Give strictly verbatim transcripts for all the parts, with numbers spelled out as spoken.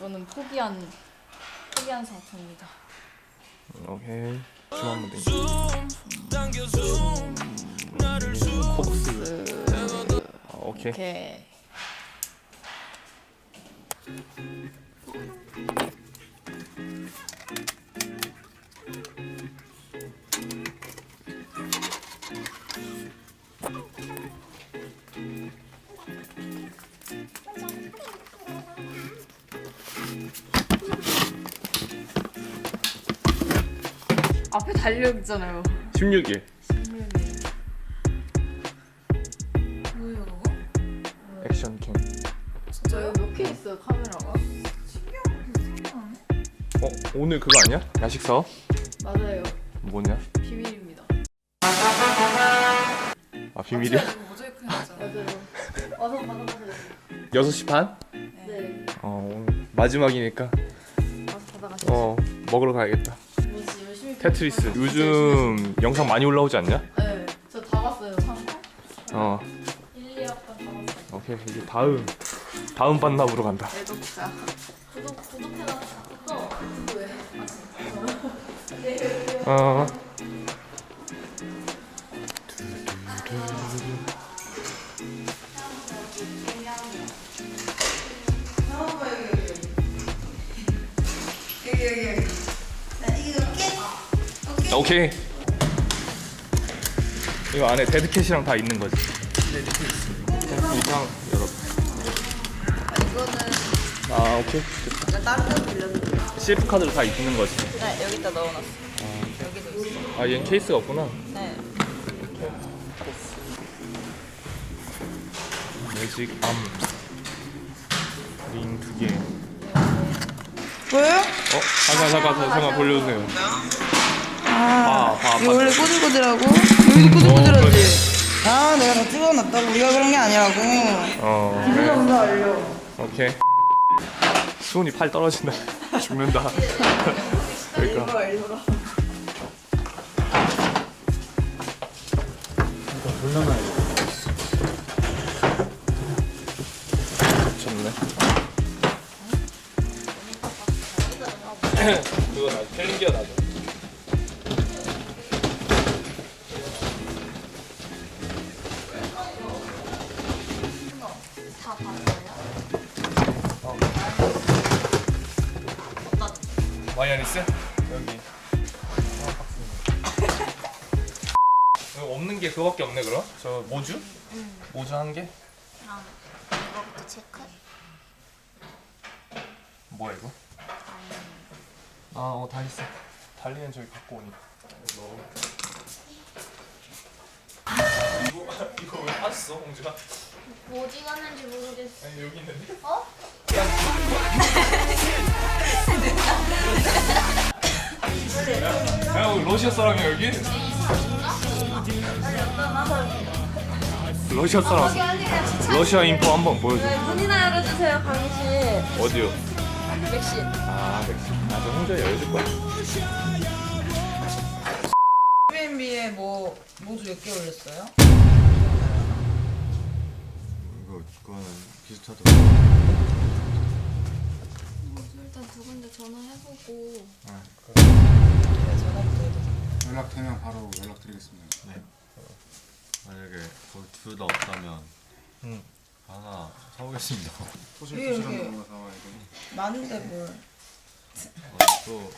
이거는 포기한 포기한 상태입니다. 오케이. 줌 한번 땡겨. 코브스. 오케이. 오케이. 앞에 달력 있잖아요. 십육 일. 십육 일. 뭐예요 그거? 액션 캠. 진짜요? 몇 개 있어요 카메라가? 어 오늘 그거 아니야? 야식 사업? 맞아요. 뭐냐? 비밀입니다. 아 비밀이야? 모자이크 해놨잖아. 맞아요. 와서 받아가세요. 여섯 시 반? 네. 어 오늘 마지막이니까 와서 받아가세요. 어 먹으러 가야겠다. 뭐지 열심히. 테트리스. 요즘 영상 많이 올라오지 않냐? 네. 저 다 봤어요. 삼 화? 어 일, 이 화까지 다 봤어요. 오케이 이제 다음 다음 반납으로 간다. 애독자. 구독 구독해라. 또 왜? 어. 오케이. 이거 안에 데드캣이랑 다 있는 거지. 이상 열어. 이거는 아 오케이. 제가 다른 데서 빌렸는데. 씨에프 카드로 다 있는 거지. 네, 여기다 넣어놨어. 여기도 있어. 아 얘는 케이스가 없구나. 네. 매직 암. 링 두 개. 보여요? 어? 잠깐 잠깐 잠깐 돌려주세요. 아, 봐, 봐, 이거 봐. 원래 꼬들꼬들하고 여기도 꼬들꼬들하지. 아, 내가 다 찍어놨다고. 우리가 그런 게 아니라고. 어. 기분 그래. 먼저 알려. 오케이. 수은이 팔 떨어진다. 죽는다. 그러니까. 일부러 일부러. 좋네. 그거 나 챌린지가 나죠. 다 봤어요? 마이아니스? 여기. 여기 없는 게 그거밖에 없네 그럼? 저 모주? 응. 모주 한 개? 그럼 이거부터 체크. 뭐야 이거? 아, 어, 다 있어. 달리는 저기 갖고 오니까. 이거 이거 왜 빠졌어, 홍주가? 어디 갔는지 모르겠어. 아니 여기 있는데? 어? 야, 야, 러시아 사람이야 여기? 러시아 사람. 러시아 인포 한번 보여줘. 문이나 열어주세요, 강희 씨. 어디요? 맥시. 아, 맥시. 아, 저 홍주에 열어줄 거야. 에어비앤비에 뭐 모두 몇 개 올렸어요? 이거 그거는 비슷하더라고. 일단 두 군데 전화해보고. 네, 전화부터 해도 돼. 연락되면 바로 연락드리겠습니다. 네. 만약에 거기 둘 다 없다면 응. 하나 사오겠습니다. 토실토실한 이게- 거 사와야 돼. 많은데 뭘. 어, 또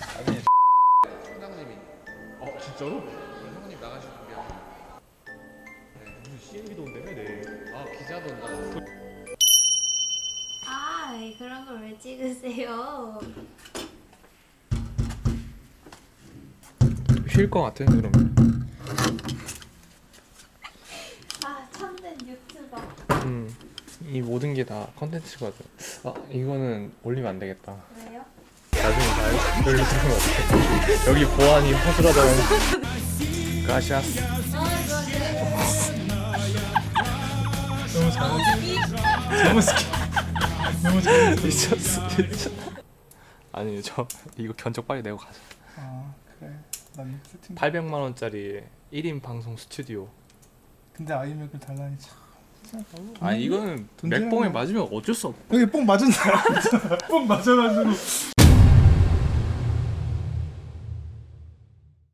총장님이 어, 진짜로? 형님 나가실 준비하고 무슨 씨엠비도 온다며, 내일. 아 기자도 온다고 아, 그런 걸 왜 찍으세요? 쉴 것 같아, 그러면. 아, 참된 유튜버. 음, 이 모든 게 다 컨텐츠거든. 아, 이거는 올리면 안 되겠다. 왜요? 나중에 봐야지. 별로 들은 것 같아. 여기 보안이 허술하다고. 가샤스. 너무 잘했어. 너무 스키. 너무 잘했어. 미쳤어, 진짜. 아니, 저 이거 견적 빨리 내고 가자. 아 그래 난 세팅 팔백만 원짜리 일 인 방송 스튜디오. 근데 아이맥을 달라니 참 아니 이거는 돈 주는 맥봉에 거. 맞으면 어쩔 수 없. 여기 뽕 맞은 사람 있잖아. 뽕 맞아가지고